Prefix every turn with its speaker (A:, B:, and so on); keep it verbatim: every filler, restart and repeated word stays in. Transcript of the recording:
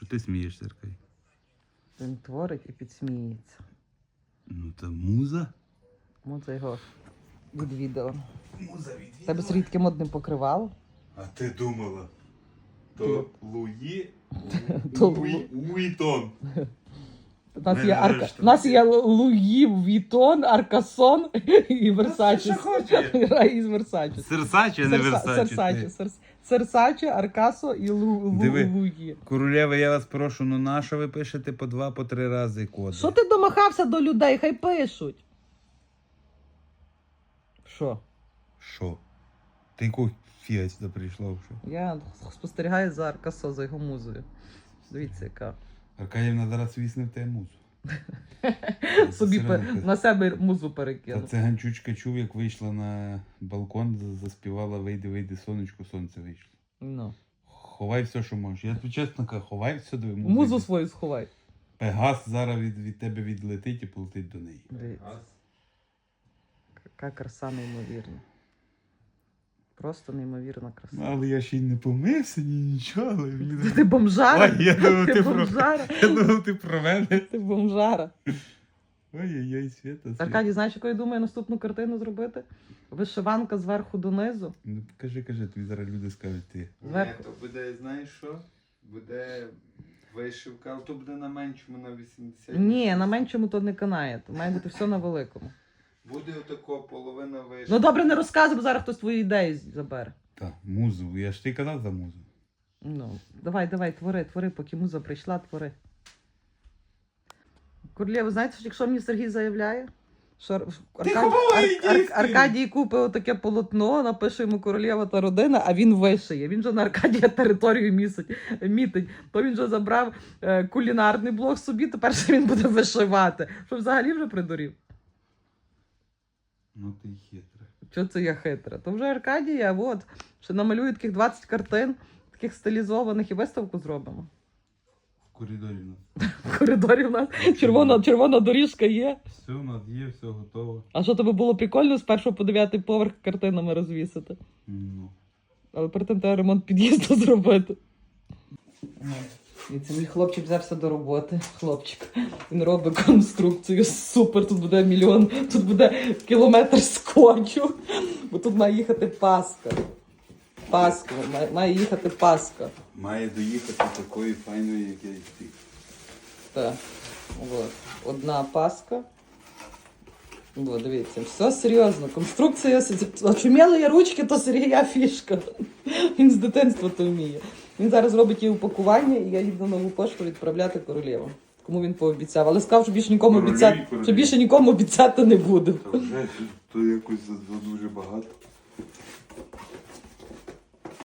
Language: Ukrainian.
A: Що ти смієшся, Аркадій?
B: Він творить і підсміється.
A: Ну та муза.
B: Муза його відвідала.
A: Муза відвідала.
B: Тебе з рідким одним покривало?
A: А ти думала? То Луї
B: То
A: Луї Уітон.
B: У нас,
A: Не
B: є арка...
A: нарешті.
B: У нас є Луї, Вітон, Аркасон і Версачі.
A: Що хоче.
B: Із Версачі.
A: Серсачі, а не Версачі.
B: Серсачі. Серсачі, Аркасо і Лу... Лу...
A: Диви.
B: Луї.
A: Королева, я вас прошу, ну на що ви пишете по два, по три рази коди?
B: Що ти домахався до людей? Хай пишуть. Що?
A: Що? Ти яку фіга сюди прийшла вже?
B: Я спостерігаю за Аркасо, за його музою. Дивіться, яка.
A: Аркадівна зараз вісне в те музу.
B: Собі пе- на себе музу
A: Та
B: перекинув.
A: циганчучка чув, як вийшла на балкон, за- заспівала «Вийди, вийди, сонечко, сонце вийшло».
B: Ну.
A: Ховай все, що можеш. Я тобі чесно кажу, ховай все до музики.
B: Музу свою сховай.
A: Пегас зараз від, від тебе відлетить і полетить до неї.
B: Дивіться. Яка краса неймовірна. Просто неймовірна краса.
A: Але я ще й не помився, ні нічого. Але мені...
B: Ти бомжара?
A: Ой, я думав,
B: Ти
A: ти, про...
B: бомжара?
A: я думав, ти про мене.
B: Ти бомжара.
A: Ой-ой-ой, Свята. Свята.
B: Аркадій, знаєш, яку я думаю наступну картину зробити? Вишиванка зверху донизу.
A: Ну, кажи, кажи, тобі зараз люди скажуть ти.
B: Зверху.
C: Ні, то буде, знаєш що? Буде вишивка, але то буде на меншому, на вісімдесят.
B: Ні, на меншому то не канає. То має бути все на великому.
C: Буде отако половина вишивки.
B: Ну добре, не розказуй, бо зараз хтось твої ідеї забере.
A: Так, музу. Я ж ти казав за музу.
B: Ну, давай, давай, твори, твори, поки муза прийшла, твори. Королєва, знаєте, що якщо мені Сергій заявляє, що Ар- Аркадій,
A: ховай,
B: Ар- Ар-
A: дійсно!
B: Аркадій купить отаке полотно, напише йому королєва та родина, а він вишиє. Він же на Аркадія територію місить, мітить. То він вже забрав е, кулінарний блок собі, тепер ще він буде вишивати. Що взагалі вже придурів?
A: Ну ти хитра.
B: Що це я хитра? То вже Аркадія, от, ще намалює таких двадцять картин, таких стилізованих, і виставку зробимо.
A: В коридорі у нас.
B: В коридорі в нас червона, червона доріжка є.
A: Все у нас є, все готово.
B: А що тобі було прикольно з першого по дев'ятий поверх картинами розвісити?
A: Ну.
B: Але перед тим треба ремонт під'їзду зробити. І це мій хлопчик взявся до роботи. Хлопчик. Він робить конструкцію. Супер, тут буде мільйон, тут буде кілометр скотчу. Бо тут має їхати Паска. Паска, має, має їхати Паска.
A: Має доїхати такої файної, як я і ти.
B: Так. От. Одна Паска. О, дивіться, все серйозно. Конструкція, очуміли я ручки, то Сергія фішка. Він з дитинства то вміє. Він зараз робить її упакування, і я їду на нову пошту відправляти королеву. Кому він пообіцяв. Але сказав, що більше нікому
A: Королеві,
B: обіцяти,
A: королеві.
B: що більше нікому обіцяти не буде.
A: Та вже то якось за, за дуже багато.